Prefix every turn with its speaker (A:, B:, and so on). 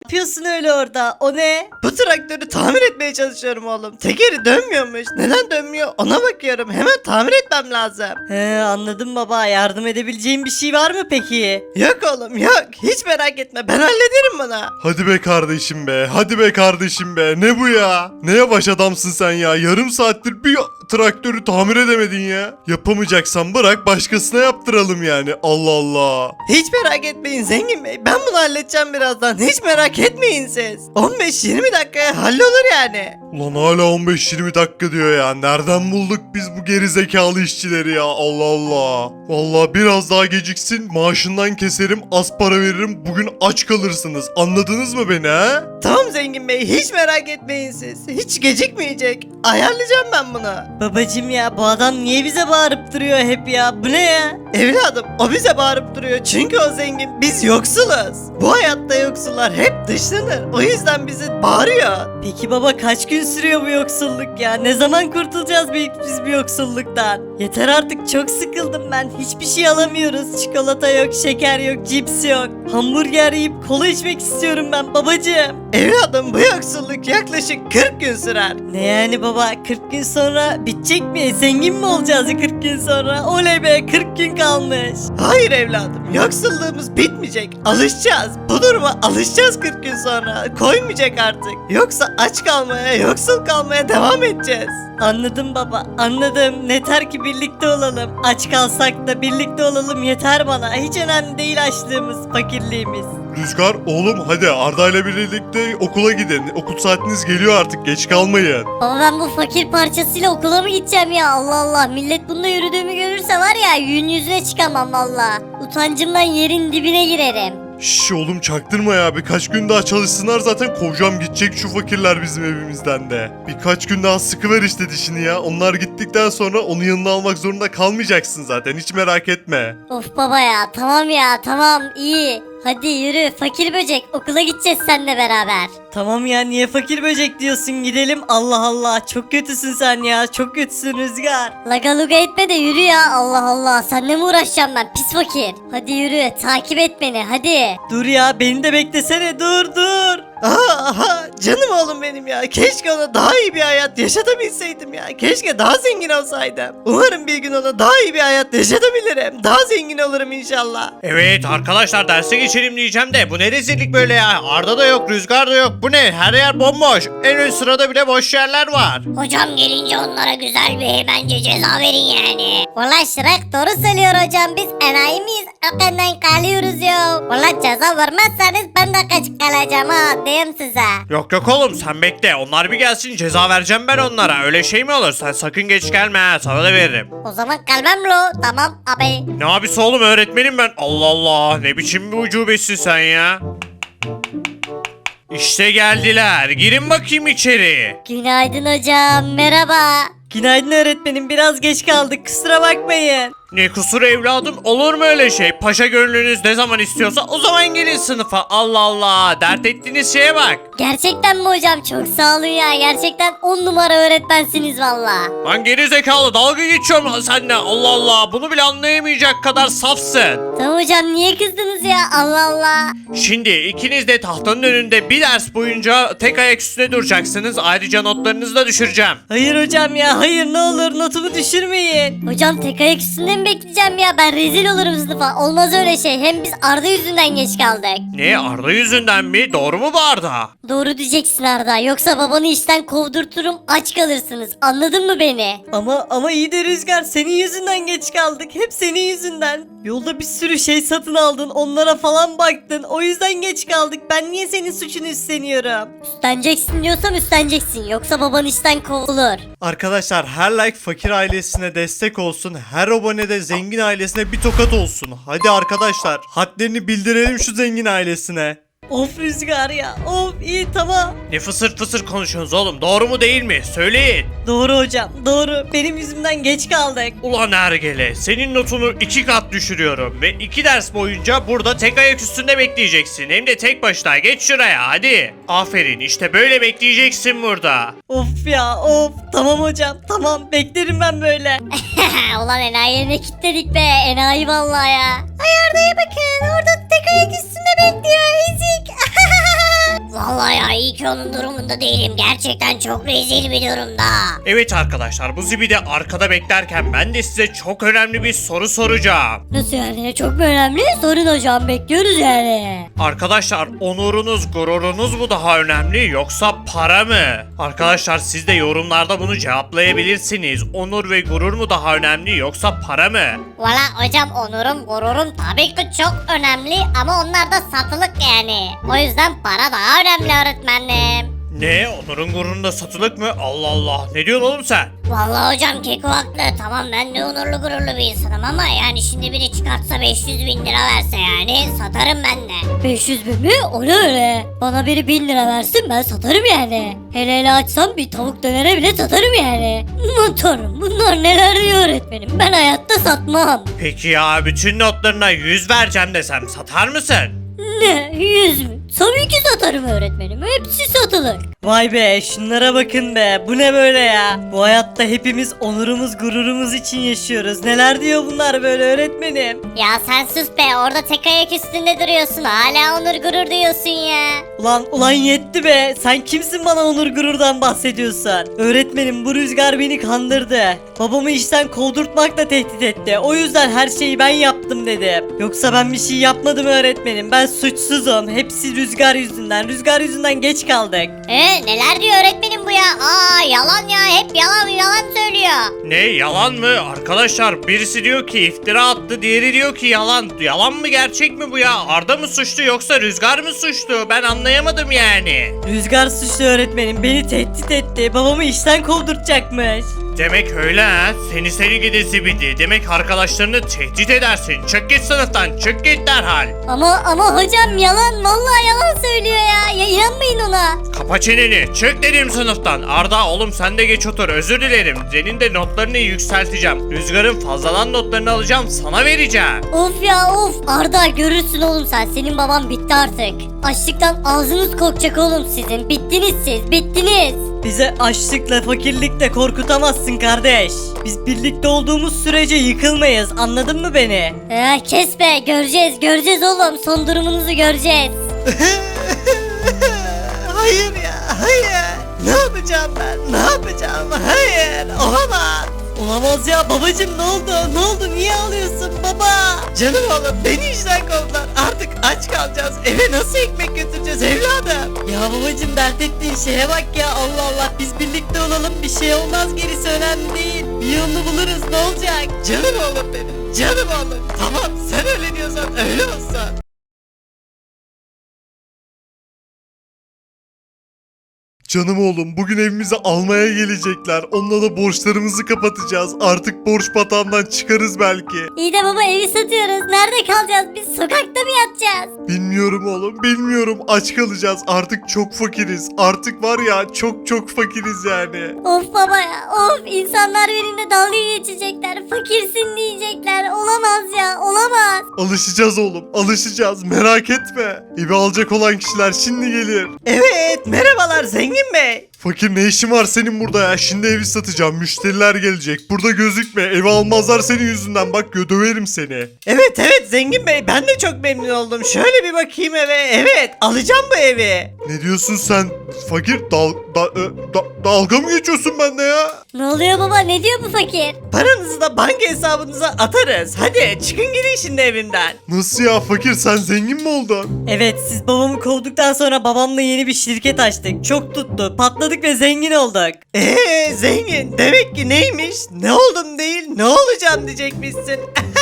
A: yapıyorsun öyle orada? O ne?
B: Bu traktörü tamir etmeye çalışıyorum oğlum. Tekeri dönmüyormuş. Neden dönmüyor ona bakıyorum. Hemen tamir etmem lazım.
A: He, anladım baba. Yardım edebileceğim bir şey var mı peki?
B: Yok oğlum yok. Hiç merak etme ben hallederim bunu.
C: Hadi be kardeşim be. Hadi be kardeşim be. Ne bu ya? Ne yavaş adamsın sen ya. Yarım saattir bir traktörü tamir edemedin ya. Yapamayacaksan bırak başkasına yaptıralım yani. Allah Allah.
B: Hiç merak etmeyin zengin bey. Ben bunu halledeceğim birazdan. Hiç merak etmeyin siz. 15-20 dakikaya hallolur yani.
C: Ulan hala 15-20 dakika diyor ya. Nereden bulduk biz bu gerizekalı işçileri ya? Allah Allah. Vallahi biraz daha geciksin maaşından keserim, az para veririm. Bugün aç kalırsınız. Anladınız mı beni ha?
B: Tamam zengin bey hiç merak etmeyin siz. Hiç gecikmeyecek. Ayarlayacağım ben bunu.
A: Babacım ya, bu adam niye bize bağırıp duruyor hep ya? Bu ne ya?
B: Evladım o bize bağırıp duruyor çünkü o zengin biz yoksuluz. Bu hayatta yoksullar hep dışlanır. O yüzden bizi bağırıyor.
A: Peki baba, kaç gün sürüyor bu yoksulluk ya? Ne zaman kurtulacağız biz bu yoksulluktan? Yeter artık, çok sıkıldım ben. Hiçbir şey alamıyoruz. Çikolata yok, şeker yok, cips yok. Hamburger yiyip kola içmek istiyorum ben babacığım.
B: Evladım bu yoksulluk yaklaşık 40 gün sürer.
A: Ne yani baba, 40 gün sonra bitecek mi? Zengin mi olacağız 40 gün sonra? Oley be, 40 gün kalmış.
B: Hayır evladım yoksulluğumuz bitmeyecek. Alışacağız. Bu duruma alışacağız 40 gün sonra. Koymayacak artık. Yoksa aç kalmaya, yoksul kalmaya devam edeceğiz.
A: Anladım baba, anladım. Yeter ki birlikte olalım. Aç kalsak da birlikte olalım yeter bana. Hiç önemli değil açlığımız, fakirliğimiz.
C: Rüzgar oğlum hadi Arda ile birlikte okula gidin. Okul saatiniz geliyor artık, geç kalmayın.
D: Baba ben bu fakir parçasıyla okula mı gideceğim ya? Allah Allah, millet bununla yürüdüğümü görürse var ya, yüzün yüzüne çıkamam valla. Utancımdan yerin dibine girerim.
C: Şş oğlum çaktırma ya, birkaç gün daha çalışsınlar zaten kovacağım gidecek şu fakirler bizim evimizden de. Birkaç gün daha sıkıver işte dişini ya, onlar gittikten sonra onu yanına almak zorunda kalmayacaksın zaten, hiç merak etme.
D: Of baba ya, tamam ya, tamam iyi. Hadi yürü fakir böcek, okula gideceğiz seninle beraber.
A: Tamam ya, niye fakir böcek diyorsun, gidelim. Allah Allah, çok kötüsün sen ya, çok kötüsün Rüzgar.
D: Laga luga etme de yürü ya, Allah Allah, seninle mi uğraşacağım ben pis fakir. Hadi yürü, takip et beni hadi.
A: Dur ya, beni de beklesene, dur.
B: Aha canım oğlum benim ya. Keşke ona daha iyi bir hayat yaşatabilseydim ya. Keşke daha zengin olsaydım. Umarım bir gün ona daha iyi bir hayat yaşatabilirim. Daha zengin olurum inşallah.
E: Evet arkadaşlar derse geçelim diyeceğim de bu ne rezillik böyle ya. Arda da yok, Rüzgar da yok. Bu ne? Her yer bomboş. En ön sırada bile boş yerler var.
D: Hocam gelince onlara güzel bir bence ceza verin yani. Valla Şirek doğru söylüyor hocam, biz enayi miyiz? Ökenden kalıyoruz ya. Valla ceza vermezseniz ben de kaç kalacağım ha, diyeyim size.
E: Yok yok oğlum sen bekle. Onlar bir gelsin ceza vereceğim ben onlara. Öyle şey mi olur? Sen sakın geç gelme ha. Sana da veririm.
D: O zaman kalmam lo, tamam abi.
E: Ne abisi oğlum öğretmenim ben. Allah Allah ne biçim bir ucubesin sen ya. İşte geldiler. Girin bakayım içeri.
D: Günaydın hocam, merhaba.
A: Günaydın öğretmenim, biraz geç kaldık, kusura bakmayın.
E: Ne kusur evladım, olur mu öyle şey? Paşa gönlünüz ne zaman istiyorsa o zaman gelin sınıfa. Allah Allah, dert ettiğiniz şeye bak.
D: Gerçekten mi hocam? Çok sağ olun ya. Gerçekten 10 numara öğretmensiniz valla.
E: Lan geri zekalı, dalga geçiyorum lan seninle. Allah Allah, bunu bile anlayamayacak kadar safsın.
D: Tamam hocam, niye kızdınız ya? Allah Allah.
E: Şimdi ikiniz de tahtanın önünde bir ders boyunca tek ayak üstüne duracaksınız. Ayrıca notlarınızı da düşüreceğim.
A: Hayır hocam ya, hayır, ne olur notumu düşürmeyin.
D: Hocam tek ayak üstünde mi bekleyeceğim ya? Ben rezil olurum sınıfa. Olmaz öyle şey. Hem biz Arda yüzünden geç kaldık.
E: Ne, Arda yüzünden mi? Doğru mu bu Arda?
D: Doğru diyeceksin Arda. Yoksa babanı işten kovdurturum, aç kalırsınız. Anladın mı beni?
A: Ama iyi de Rüzgar, senin yüzünden geç kaldık. Hep senin yüzünden. Yolda bir sürü şey satın aldın, onlara falan baktın. O yüzden geç kaldık. Ben niye senin suçunu üstleniyorum?
D: Üstleneceksin diyorsam üstleneceksin. Yoksa baban işten kovulur.
C: Arkadaşlar her like fakir ailesine destek olsun, her abone de zengin ailesine bir tokat olsun. Hadi arkadaşlar hadlerini bildirelim şu zengin ailesine.
A: Of Rüzgar ya, of, iyi, tamam.
E: Ne fısır fısır konuşuyorsunuz oğlum? Doğru mu değil mi? Söyleyin.
A: Doğru hocam, doğru. Benim yüzümden geç kaldık.
E: Ulan Ergele, senin notunu 2 kat düşürüyorum ve 2 ders boyunca burada tek ayak üstünde bekleyeceksin. Hem de tek başına. Geç şuraya hadi. Aferin, işte böyle bekleyeceksin burada.
A: Of ya, of. Tamam hocam, tamam. Beklerim ben böyle.
D: Ulan enayi yerine kilitledik be. Enayi vallahi ya. Ay Arda'ya bakın. Orada tek ayak üstünde bekliyor. Ezik. Vallahi ya iyi ki onun durumunda değilim. Gerçekten çok rezil bir durumda.
E: Evet arkadaşlar, bu zibidi arkada beklerken ben de size çok önemli bir soru soracağım.
F: Nasıl yani? Çok mu önemli? Sorun hocam, bekliyoruz yani.
E: Arkadaşlar, onurunuz, gururunuz mu daha önemli yoksa para mı? Arkadaşlar, siz de yorumlarda bunu cevaplayabilirsiniz. Onur ve gurur mu daha önemli yoksa para mı?
D: Valla hocam onurum gururum tabii ki çok önemli ama onlar da satılık yani. O yüzden para daha önemli öğretmenim.
E: Ne? Onurun gururunda satılık mı? Allah Allah. Ne diyorsun oğlum sen?
D: Vallahi hocam Keko haklı. Tamam ben de onurlu gururlu bir insanım ama yani şimdi biri çıkartsa 500 bin lira verse yani satarım ben de.
F: 500 bin mi? O ne öyle? Bana biri 1000 lira versin, ben satarım yani. Hele hele açsam bir tavuk dönere bile satarım yani. Motorum, bunlar neler diyor öğretmenim, ben hayatta satmam.
E: Peki ya bütün notlarına 100 vereceğim desem satar mısın?
F: Ne? 100 mü? Tabii ki satarım öğretmenim, hepsi satılık.
A: Vay be, şunlara bakın be, bu ne böyle ya? Bu hayatta hepimiz onurumuz gururumuz için yaşıyoruz. Neler diyor bunlar böyle öğretmenim?
D: Ya sen sus be orada tek ayak üstünde duruyorsun hala onur gurur diyorsun ya.
A: Ulan yetti be, sen kimsin bana onur gururdan bahsediyorsun? Öğretmenim, bu Rüzgar beni kandırdı. Babamı işten kovdurtmakla tehdit etti. O yüzden her şeyi ben yaptım dedim. Yoksa ben bir şey yapmadım öğretmenim. Ben suçsuzum. Hepsi Rüzgar yüzünden. Rüzgar yüzünden geç kaldık.
D: Neler diyor öğretmenim bu ya? Yalan ya hep yalan söylüyor.
E: Ne, yalan mı? Arkadaşlar, birisi diyor ki iftira attı, diğeri diyor ki yalan. Yalan mı, gerçek mi bu ya? Arda mı suçlu yoksa Rüzgar mı suçlu? Ben anlayamadım yani.
A: Rüzgar suçlu öğretmenim. Beni tehdit etti. Babamı işten kovdurtacakmış.
E: Demek öyle ha. Seni gidi zibidi. Demek arkadaşlarını tehdit edersin. Çık git sınıftan, çık git derhal.
F: Ama hocam yalan, vallahi yalan söylüyor ya inanmayın ona.
E: Kapa çeneni, çık dedim sınıftan. Arda oğlum sen de geç otur, özür dilerim. Senin de notlarını yükselteceğim. Rüzgar'ın fazladan notlarını alacağım, sana vereceğim.
F: Of ya of, Arda görürsün oğlum sen, senin baban bitti artık. Açlıktan ağzınız kokacak oğlum sizin, bittiniz siz, bittiniz.
A: Bize açlıkla fakirlikle korkutamazsın kardeş. Biz birlikte olduğumuz sürece yıkılmayız, anladın mı beni?
F: Kes be, göreceğiz oğlum, son durumunuzu göreceğiz.
B: Hayır ya, hayır. Ne yapacağım ben? Ne yapacağım? Hayır, olamaz.
A: Olamaz ya babacım, ne oldu niye ağlıyorsun baba?
B: Canım oğlum beni işten kovdular. Artık aç kalacağız. Eve nasıl ekmek götüreceğiz evladım?
A: Ya babacım, dert ettiğin şeye bak ya, Allah Allah, biz birlikte olalım, bir şey olmaz, gerisi önemli değil. Bir yolunu buluruz, ne olacak?
B: Canım oğlum benim. Canım oğlum. Tamam sen öyle diyorsan öyle olsun.
C: Canım oğlum, bugün evimizi almaya gelecekler. Onunla da borçlarımızı kapatacağız. Artık borç batağından çıkarız belki.
F: İyi de baba, evi satıyoruz, nerede kalacağız biz, sokakta mı yatacağız?
C: Bilmiyorum oğlum, bilmiyorum. Aç kalacağız. Artık çok fakiriz. Artık var ya, çok fakiriz yani.
F: Of baba ya of, insanlar benimle dalga geçecekler, fakirsin diyecekler, olamaz ya, olamaz.
C: Alışacağız oğlum, alışacağız. Merak etme. Evi alacak olan kişiler şimdi gelir.
B: Evet merhabalar zengin bey.
C: Fakir, ne işin var senin burada ya? Şimdi evi satacağım. Müşteriler gelecek. Burada gözükme. Evi almazlar senin yüzünden. Bak, döverim seni.
B: Evet zengin bey ben de çok memnun oldum. Şöyle bir bakayım eve. Evet alacağım bu evi.
C: Ne diyorsun sen? Fakir, dalga mı geçiyorsun bende ya?
F: Ne oluyor baba, ne diyor bu fakir?
B: Paranızı da banka hesabınıza atarız. Hadi çıkın gidin şimdi evimden.
C: Nasıl ya fakir, sen zengin mi oldun?
A: Evet, siz babamı kovduktan sonra babamla yeni bir şirket açtık. Çok tuttu, patladık ve zengin olduk.
B: Zengin demek ki neymiş? Ne oldum değil ne olacağım diyecekmişsin.